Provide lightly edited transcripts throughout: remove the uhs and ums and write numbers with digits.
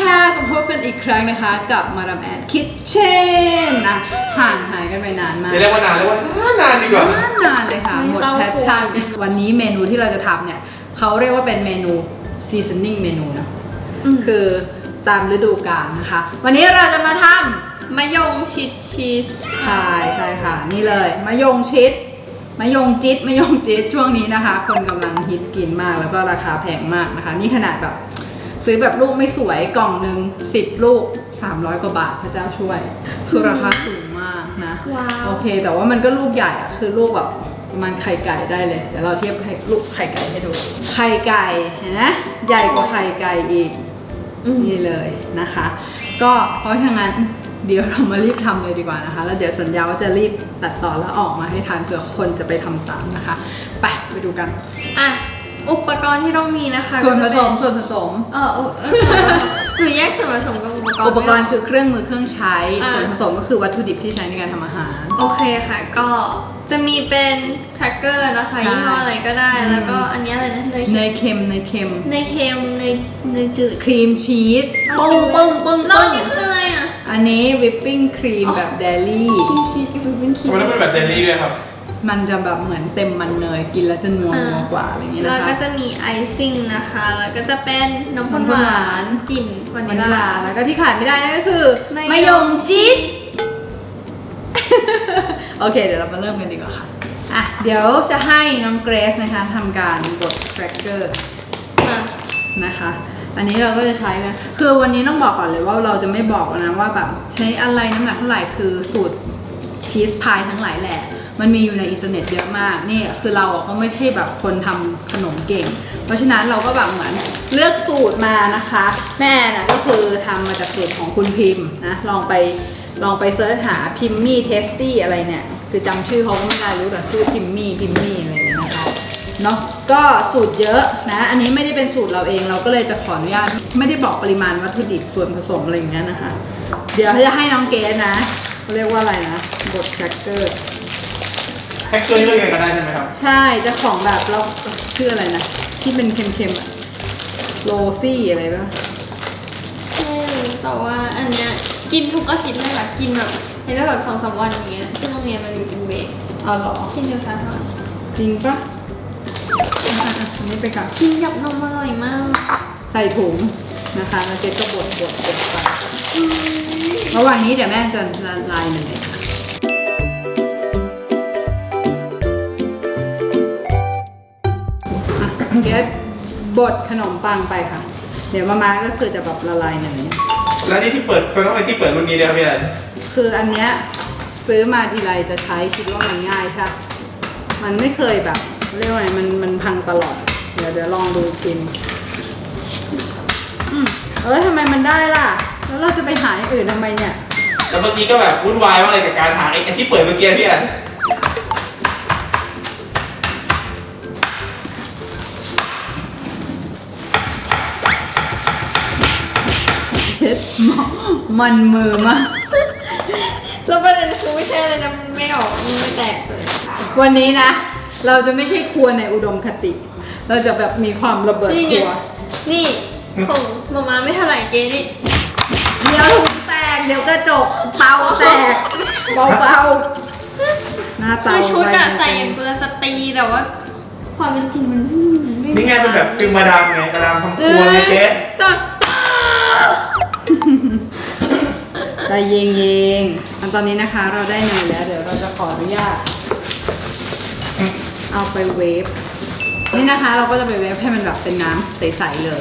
ค่ะก็พบกันอีกครั้งนะคะกับมาดามแอนคิทเช่นนะห่างหายกันไปนานมากเรียกว่านานเรียกว่านานดีกว่านานเลยค่ะหมดแพชชั่นวันนี้เมนูที่เราจะทำเนี่ยเขาเรียกว่าเป็นเมนู seasoning เมนูนะคือตามฤดูกาลนะคะวันนี้เราจะมาทำมะยงชิดชีสใช่ค่ะนี่เลยมะยงชิดมะยงจิ๊ดช่วงนี้นะคะคนกำลังฮิตกินมากแล้วก็ราคาแพงมากนะคะนี่ขนาดแบบซื้อแบบลูกไม่สวยกล่องหนึ่ง10 ลูก300 กว่าบาทพระเจ้าช่วยคือราคาสูงมากนะโอเคแต่ว่ามันก็ลูกใหญ่อะคือลูกแบบประมาณไข่ไก่ได้เลยเดี๋ยวเราเทียบลูกไข่ไก่ให้ดูไข่ไก่เห็นไหมใหญ่กว่าไข่ไก่อีกนี่เลยนะคะก็เพราะฉะนั้นเดี๋ยวเรามารีบทำเลยดีกว่านะคะแล้วเดี๋ยวสัญญาว่าจะรีบตัดต่อแล้วออกมาให้ทันเผื่อคนจะไปทำตามนะคะไปดูกันอุปกรณ์ที่ต้องมีนะคะส่วนผสมหรือแยกส่วนผสมกับอุปกรณ์คือเครื่องมือเครื่องใช้ส่วนผสมก็คือวัตถุดิบที่ใช้ในการทำอาหารโอเคค่ะก็จะมีเป็นแครกเกอร์นะคะยี่ห้ออะไรก็ได้แล้วก็อันนี้อะไรนะเนยเค็มเนยจืดครีมชีสปุ้งแล้วนี่คืออะไรอ่ะอันนี้วิปปิ้งครีมแบบเดลี่ครีมชีสกับวิปปิ้งครีมมันเป็นแบบเดลี่ด้วยครับมันจะแบบเหมือนเต็มมันเนยกินแล้วจะนัวกว่าอะไรอย่างนี้นะคะแล้วก็จะมีไอซิ่งนะคะแล้วก็จะเป็นนมข้นหวานกลิ่นวานิลลาแล้วก็ที่ขาดไม่ได้นั่นก็คือมะยงชิดโอเคเดี๋ยวเรามาเริ่มกันดีกว่าค่ะเดี๋ยวจะให้น้องเกรซนะคะทำการบดแครกเกอร์นะคะอันนี้เราก็จะใช้นะคือวันนี้ต้องบอกก่อนเลยว่าเราจะไม่บอกนะว่าแบบใช้อะไรน้ำหนักเท่าไหร่คือสูตรชีสพายทั้งหลายแหละมันมีอยู่ในอินเทอร์เน็ตเยอะมากนี่คือเราก็ไม่ใช่แบบคนทำขนมเก่งเพราะฉะนั้นเราก็แบบเหมือนเลือกสูตรมานะคะแม่นะก็คือทำมาจากสูตรของคุณพิมพ์นะลองไปเสิร์ชหาพิมมี่เทสตี้อะไรเนี่ยคือจำชื่อเขาก็ไม่ได้รู้แต่ชื่อพิมมี่อะไรอย่างเงี้ยนะคะเนาะก็สูตรเยอะนะอันนี้ไม่ได้เป็นสูตรเราเองเราก็เลยจะขออนุญาตไม่ได้บอกปริมาณวัตถุดิบส่วนผสมอะไรอย่างเงี้ยนะคะเดี๋ยวจะให้น้องเกสนะเรียกว่าอะไรนะบดแครกเกอร์แครกเกอร์เลือกเองก็ได้ใช่ไหมครับใช่จะของแบบเราชื่ออะไรนะที่เป็นเค็มๆอะโรซี่อะไรป่ะไม่รู้แต่ว่าอันเนี้ยกินทุกอาทิตย์เลยค่ะกินแบบในระดับ2-3 วันอย่างเงี้ยซึ่งโรงเรียนมันอยู่เป็นเบรกเหรอกินเดียวซะค่ะจริงปะอันนี้ไปกับกินกับนมอร่อยมากใส่ถุงนะคะแล้วเจ๊ก็บดไประหว่างนี้เดี๋ยวแม่จะละลายเนยเกสบดขนมปังไปค่ะเดี๋ยวมาก็คือจะแบบละลายเนยแล้วนี่ที่เปิดเขาต้องไปที่เปิดรุ่นนี้เลยครับพี่แอนคืออันเนี้ยซื้อมาทีไรจะใช้คิดว่ามันง่ายค่ะมันไม่เคยแบบเรียกว่าไงมันพังตลอดเดี๋ยวลองดูกินทำไมมันได้ล่ะแล้วเราจะไปหาอย่างอื่นทำไมเนี่ยแล้วเมื่อกี้ก็แบบวุ่นวายมากเลยกับการหาไอ้ที่เปิดเมื่อกี้พี่แอนมันมือมากแล้วประเด็นคือไม่ใช่อะไรนะมันไม่ออกมันไม่แตกเลยวันนี้นะเราจะไม่ใช่ครัวในอุดมคติเราจะแบบมีความระเบิดครัวนี่ของมาไม่เท่าไหร่เกนี่เดี๋ยวถุงแตกเดี๋ยวกระจกเตาแตกเบาๆหน้าเตาคือชุดอะใส่อย่างกุลสตรีแต่ว่าความเป็นจริงมันนี่ไงเป็นแบบฟิลมาดามไงมาดามทำครัวไงเจ๊สดใจเย็นๆตอนนี้นะคะเราได้เนยแล้วเดี๋ยวเราจะขออนุญาตเอาไปเวฟนี่นะคะเราก็จะไปเวฟให้มันแบบเป็นน้ำใสๆเลย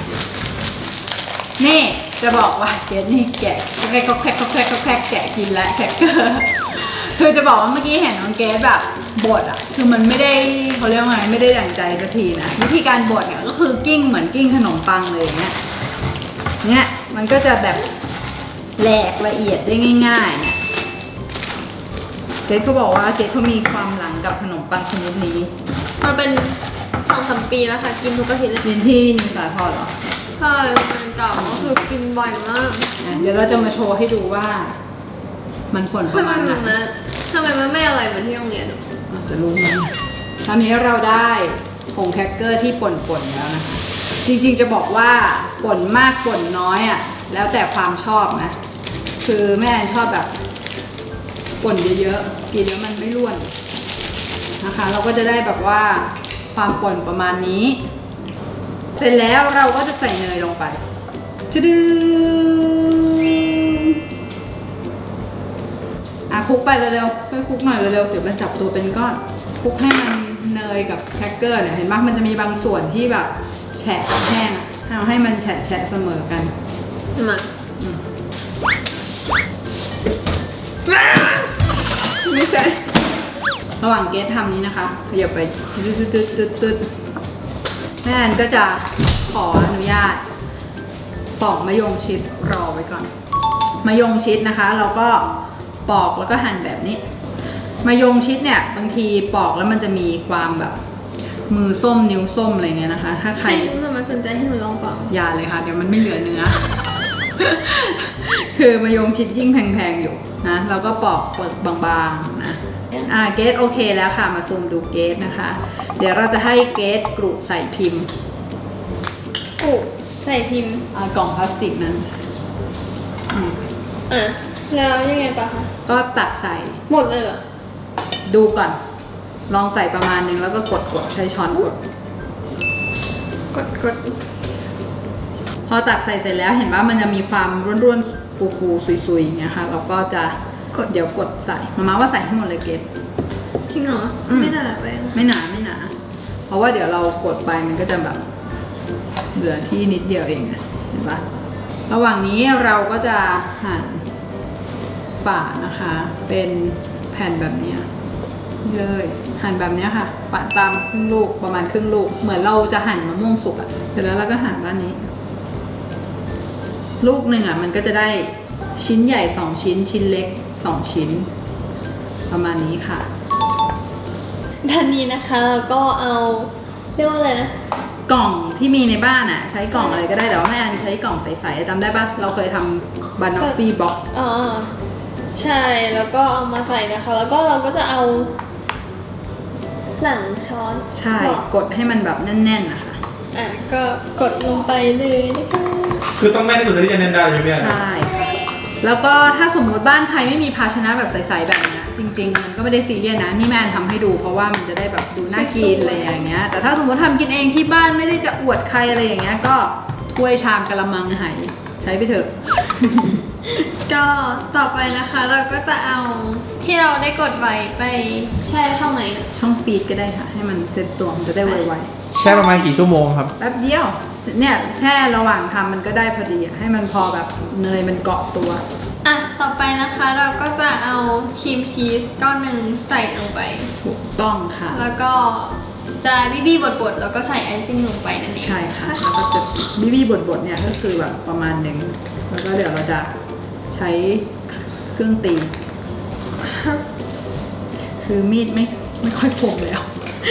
นี่จะบอกว่าเกสนี่แกะแคกแกะกินแล้วแคกเกอร์คือจะบอกว่าเมื่อกี้เห็นน้องเกสแบบบดอ่ะคือมันไม่ได้เขาเรียกว่าไงไม่ได้ดั่งใจสักทีนะวิธีการบดเนี่ยก็คือกิ้งเหมือนกิ้งขนมปังเลยเนี่ยมันก็จะแบบแหลกละเอียดได้ง่ายๆเนี่ยเกสเขาบอกว่าเกสเขามีความหลังกับขนมปังชนิดนี้มาเป็น2-3 ปีแล้วค่ะกินทุกอาทิตย์เลยเรียนที่นิสาทรเหรอใช่โรงเรียนเก่าก็คือกินบ่อยมากเดี๋ยวเราจะมาโชว์ให้ดูว่ามันผลประมาณไหนทำไมมันไม่อร่อยเหมือนที่โรงเรียนจะรู้ไหมตอนนี้เราได้ผงแครกเกอร์ที่ป่นๆแล้วนะคะจริงๆจะบอกว่าป่นมากป่นน้อยอ่ะแล้วแต่ความชอบนะคือแม่แอนชอบแบบป่นเยอะๆกินแล้วมันไม่ร่วนนะคะเราก็จะได้แบบว่าความป่นประมาณนี้เสร็จแล้วเราก็จะใส่เนยลงไปจะดึงคลุกไปเร็วๆช่วยคลุกหน่อยเร็วๆเดี๋ยวมันจับตัวเป็นก้อนคลุกให้มันเนยกับแครกเกอร์เนี่ยเห็นไหมมันจะมีบางส่วนที่แบบแฉะแห้งเอาให้มันแฉะเสมอกันมาไม่ใช่ระหว่างเกสทำนี้นะคะขยับไปตึ๊ดแม่แอนก็จะขออนุญาตปอกมะยงชิดรอไว้ก่อนมะยงชิดนะคะเราก็ปอกแล้วก็หั่นแบบนี้มะยงชิดเนี่ยบางทีปอกแล้วมันจะมีความแบบมือส้มนิ้วส้มอะไรเงี้ยนะคะถ้าใครมันสนใจให้หนูลองปอกอย่าเลยค่ะเดี๋ยวมันไม่เหลือเนื้อ คือมะยงชิดยิ่งแพงๆอยู่นะเราก็ปอกบางๆนะเกสโอเคแล้วค่ะมาซูมดูเกสนะคะเดี๋ยวเราจะให้เกสกรุใส่พิมพ์ใส่พิมพ์กล่องพลาสติกนั้นแล้วยังไงต่อคะก็ตักใส่หมดเลยเหรอดูก่อนลองใส่ประมาณนึงแล้วก็กดใช้ช้อนกดพอตักใส่เสร็จแล้วเห็นว่ามันจะมีความร่วนๆฟูๆซุยๆอย่างเงี้ยค่ะเราก็จะเดี๋ยวกดใส่มาว่าใส่ให้หมดเลยเกสจริงเหรอไม่หนาไปไม่หนาเพราะว่าเดี๋ยวเรากดไปมันก็จะแบบเหลือที่นิดเดียวเองเห็นปะระหว่างนี้เราก็จะหั่นฝานะคะเป็นแผ่นแบบนี้เลยหั่นแบบนี้ค่ะปาดตามครึ่งลูกประมาณครึ่งลูกเหมือนเราจะหั่นมะม่วงสุกอ่ะเสร็จแล้วเราก็หั่นด้านนี้ลูกหนึ่งอ่ะมันก็จะได้ชิ้นใหญ่2ชิ้นชิ้นเล็ก2ชิ้นประมาณนี้ค่ะด้านนี้นะคะเราก็เอาเรียกว่าอะไรนะกล่องที่มีในบ้านอ่ะใช้กล่องอะไรก็ได้แต่ว่าแม่อันใช้กล่องใสๆจำได้ปะเราเคยทำบานอฟฟี่บ็อกใช่แล้วก็เอามาใส่นะคะแล้วก็เราก็จะเอาหลังช้อนใช่กดให้มันแบบแน่นๆนะคะก็กดลงไปเลยนะคะคือต้องแม่นที่สุดที่จะแน่นได้ใช่ไหมใช่แล้วก็ถ้าสมมุติบ้านใครไม่มีภาชนะแบบใสๆแบบนี้จริงๆมันก็ไม่ได้ซีเรียสนะนี่แม่ทำให้ดูเพราะว่ามันจะได้แบบดูน่ากินอะไรอย่างเงี้ยแต่ถ้าสมมติทำกินเองที่บ้านไม่ได้จะอวดใครอะไรอย่างเงี้ยก็ถ้วยชามกะละมังไหใช้ไปเถอะก็ต่อไปนะคะเราก็จะเอาที่เราได้กดไว้ไปแช่ช่องไหนช่องฟีดก็ได้ค่ะให้มันเซ็ตตัวมันจะได้ไวๆแช่ประมาณกี่ชั่วโมงครับแป๊บเดียวเนี่ยแช่ระหว่างทำมันก็ได้พอดีให้มันพอแบบเนยมันเกาะตัวต่อไปนะคะเราก็จะเอาครีมชีสก้อนหนึ่งใส่ลงไปถูกต้องค่ะแล้วก็จะบี้บดแล้วก็ใส่ไอซิ่งลงไปนั่นเองใช่ค่ะแล้วก็จะบี้บดเนี่ยก็คือแบบประมาณหนึ่งแล้วก็เดี๋ยวเราจะใช้เครื่องตีคือมีดไม่ค่อยคมแล้ว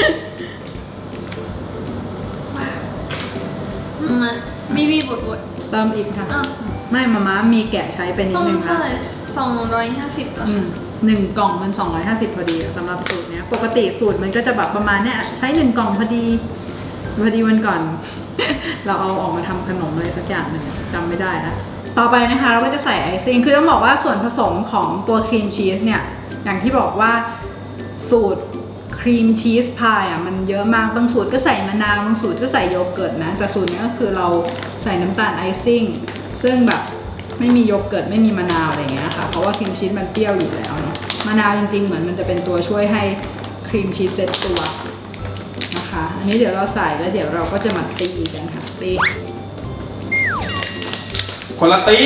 มาบี้บดเติมอีกค่ะไม่มามีแกะใช้เป็นนิดนึงค่ะ 250หรอ 1กล่องมัน250พอดีสำหรับสูตรเนี้ยปกติสูตรมันก็จะแบบประมาณเนี้ยใช้1กล่องพอดีวันก่อน เราเอาออกมาทำขนมอะไรสักอย่างหนึ่งจำไม่ได้นะต่อไปนะคะเราก็จะใส่ไอซิ่งคือต้องบอกว่าส่วนผสมของตัวครีมชีสเนี่ยอย่างที่บอกว่าสูตรครีมชีสพายมันเยอะมากบางสูตรก็ใส่มะนาวบางสูตรก็ใส่โยเกิร์ตนะแต่สูตรนี้ก็คือเราใส่น้ำตาลไอซิ่งซึ่งแบบไม่มีโยเกิร์ตไม่มีมะนาวอะไรเงี้ยค่ะเพราะว่าครีมชีสมันเปรี้ยวอยู่แล้วเนาะมะนาวจริงๆเหมือนมันจะเป็นตัวช่วยให้ครีมชีสเซ็ตตัวนะคะอันนี้เดี๋ยวเราใส่แล้วเดี๋ยวเราก็จะมาตีกันค่ะตีคนละตี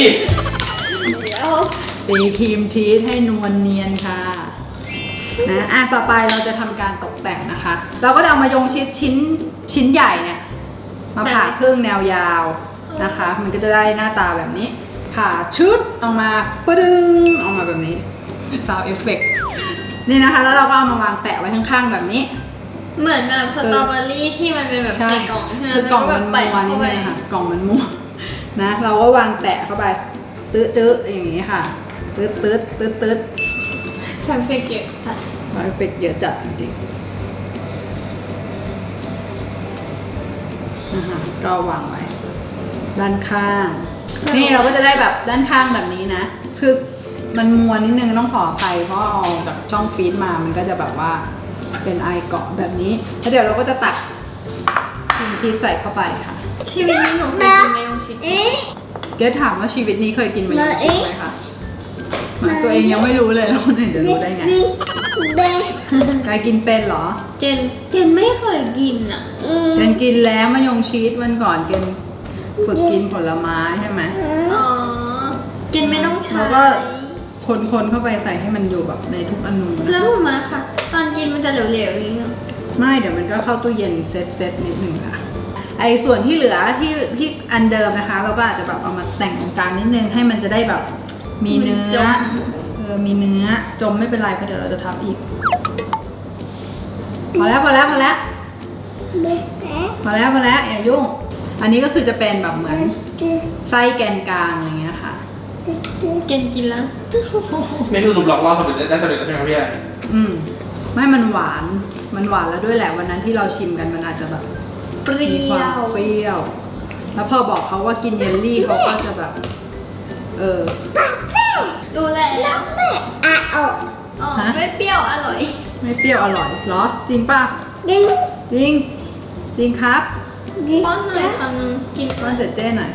ครีมชีสให้นวลเนียนค่ะนะต่อไปเราจะทำการตกแต่งนะคะเราก็จะเอามายงชิดชิ้นใหญ่เนี่ยมาผ่าครึ่งแนวยาวนะคะมันก็จะได้หน้าตาแบบนี้ผ่าชุดออกมาปะดึงออกมาแบบนี้ซาวด์เอฟเฟกต์นี่นะคะแล้วเราก็เอามาวางแปะไว้ข้างๆแบบนี้เหมือนแบบสตรอเบอรี่ที่มันเป็นแบบใส่กล่องคือกล่องมันม้วนนี่เลยค่ะกล่องมันม้วนนะเราก็วางแปะเข้าไปตื้ออย่างนี้ค่ะตื้อซาวด์เอฟเฟกต์เยอะจัดซาวด์เอฟเฟกต์เยอะจัดจริงๆนะคะก็วางไว้ด้านข้างนี่เราก็จะได้แบบด้านข้างแบบนี้นะคือมันมัวนิดนึงต้องขออภัยเพราะเอาจากช่องฟีดมามันก็จะแบบว่าเป็นไอเกาะแบบนี้แล้วเดี๋ยวเราก็จะตักครีมชีสใส่เข้าไปค่ะชีวิตนี้หนูเคยกินมายองชิดเกรซถามว่าชีวิตนี้เคยกินมายองชิดไหมคะเหมือนตัวเองยังไม่รู้เลยแล้วคนอื่นจะรู้ได้ไงกายกินเป็นเหรอเจนไม่เคยกินอ่ะเกนกินแล้วมายองชีสวันก่อนเกนฝึกกินผลไม้ใช่ไหมอ๋อเจนไม่ต้องใช้แล้วก็คนเข้าไปใส่ให้มันอยู่แบบในทุกอนูนะแล้วมาค่ะ ตอนกินมันจะเหลวๆอย่างนี้เหรอไม่เดี๋ยวมันก็เข้าตู้เย็นเซตนิดหนึ่งค่ะไอ้ส่วนที่เหลือที่อันเดิมนะคะ เราก็อาจจะแบบเอามาแต่งตรงกลางนิดนึงให้มันจะได้แบบมีเนื้อมีเนื้อจมไม่เป็นไรเพราะเดี๋ยวเราจะทับอีกพอแล้วอย่ายุ่งอันนี้ก็คือจะเป็นแบบเหมือนไส้แกนกลางอะไรเงี้ยค่ะเจนกินแล้วนี่คือรูปหลอกล่อสำเร็จได้สำเร็จแล้วใช่ไหมครับพี่ไม่มันหวานแล้วด้วยแหละวันนั้นที่เราชิมกันมันอาจจะแบบเปรี้มีคว วามเปรี้ยว แล้วพอบอกเขาว่ากินเยลลี่เขาก็จะแบบดูแล้วอ๋อฮะไม่เปรี้ยวอร่อยไม่เปรี้ยวอร่อยเหรอ จริงป่ะ จริงครับป้อนหน่อยคำนึงกินป้อนเสร็จเจ้หน่อย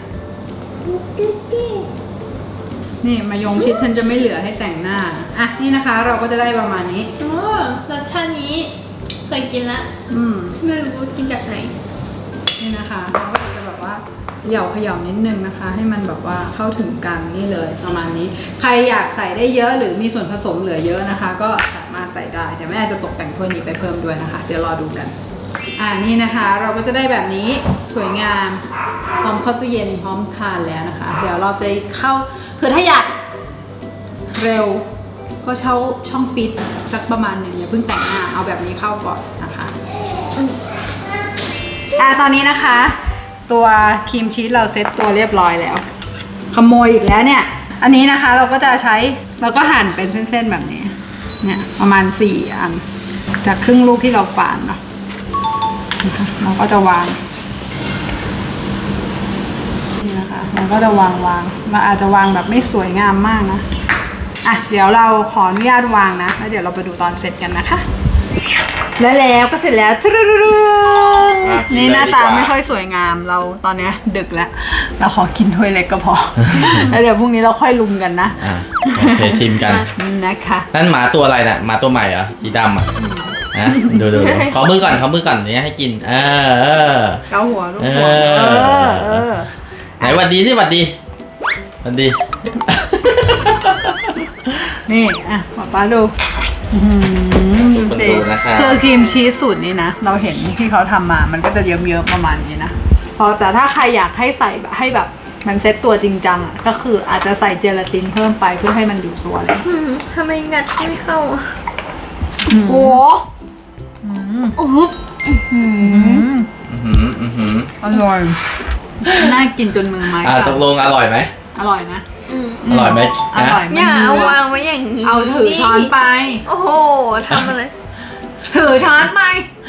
นี่มายงชิดฉันจะไม่เหลือให้แต่งหน้า อ่ะ นี่นะคะ เราก็จะได้ประมาณนี้อ๋อรสชาตินี้เคยกินแล้ว ไม่รู้ว่ากินจากไหนนี่นะคะเราก็จะแบบว่าเขย่านิดนึงนะคะ ให้มันแบบว่าเข้าถึงกันนี่เลยประมาณนี้ ใครอยากใส่ได้เยอะหรือมีส่วนผสมเหลือเยอะนะคะ ก็สามารถใส่ได้เดี๋ยวแม่จะตกแต่งถ้วยนี้ไปเพิ่มด้วยนะคะ เดี๋ยวรอดูกัน นี่นะคะเราก็จะได้แบบนี้สวยงามพร้อมเข้าตู้เย็นพร้อมทานแล้วนะคะ เดี๋ยวเราจะเข้าคือถ้าอยากเร็วก็เช่าช่องฟิตสักประมาณหนึ่งอย่าเพิ่งแต่งหน้าเอาแบบนี้เข้าก่อนนะคะตอนนี้นะคะ ตัวครีมชีสเราเซ็ตตัวเรียบร้อยแล้วขโมยอีกแล้วเนี่ยอันนี้นะคะเราก็จะใช้เราก็หั่นเป็นเส้นๆแบบนี้เนี่ยประมาณ4 อันจากครึ่งลูกที่เราฝานเนาะเราก็จะวางนี่นะคะเราก็จะวางเราอาจจะวางแบบไม่สวยงามมากนะเดี๋ยวเราขออนุญาตวางนะแล้วเดี๋ยวเราไปดูตอนเสร็จกันนะคะแล้วก็เสร็จแล้วนี่หน้าตาไม่ค่อยสวยงามเราตอนนี้ดึกแล้วเราขอกินถ้วยเล็กก็พอ แล้วเดี๋ยวพรุ่งนี้เราค่อยลุมกันนะโอเคชิมกันนะคะนั่นหมาตัวอะไรน่ะหมาตัวใหม่เหรอสีดำอ่ะดูขอมือก่อนเนี่ยให้กินเกาหัวลูกหัวไหนหวัดดีสิหวัดดีนี่ป้าดูดูสิคือครีมชีสสูตรนี้นะเราเห็นที่เขาทำมามันก็จะเยิ้มๆประมาณนี้นะแต่ถ้าใครอยากให้ใส่ให้แบบมันเซ็ตตัวจริงจังก็คืออาจจะใส่เจลาตินเพิ่มไปเพื่อให้มันอยู่ตัวเลยทำไมงัดไม่เข้าโอ้อร่อยน่ากินจนมือไม้ตกลงอร่อยไหมอร่อยนะอร่อยไหมอร่อยอย่าเอาวางไว้อย่างนี้เอาถือช้อนไปโอ้โหทำอะไรถือช้อนไป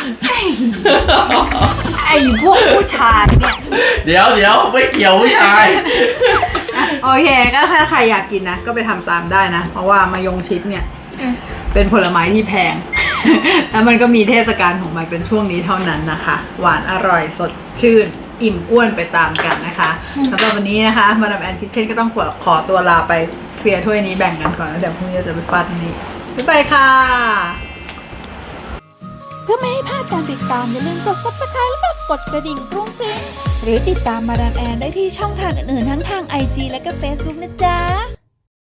ไอ้พวกผู้ชายเนี่ยเดี๋ยวไม่เกี่ยวผู้ชายโอเคก็ถ้าใครอยากกินนะก็ไปทำตามได้นะเพราะว่ามายงชิดเนี่ยเป็นผลไม้ที่แพงแล้วมันก็มีเทศกาลของมันเป็นช่วงนี้เท่านั้นนะคะหวานอร่อยสดชื่นอิ่มอ้วนไปตามกันนะคะสำหรับวันนี้นะคะมาดามแอนคิทเช่นก็ต้องขอตัวลาไปเคลียร์ถ้วยนี้แบ่งกันก่อนแล้วเดี๋ยวพรุ่งนี้จะไปฟาดนี่บ๊ายบายค่ะเพื่อไม่ให้พลาดการติดตามอย่าลืมกด Subscribe แล้วก็กดกระดิ่งกรุ้งกริ้งหรือติดตามมาดามแอนได้ที่ช่องทางอื่นๆทั้งทาง IG และก็ Facebook นะจ๊ะ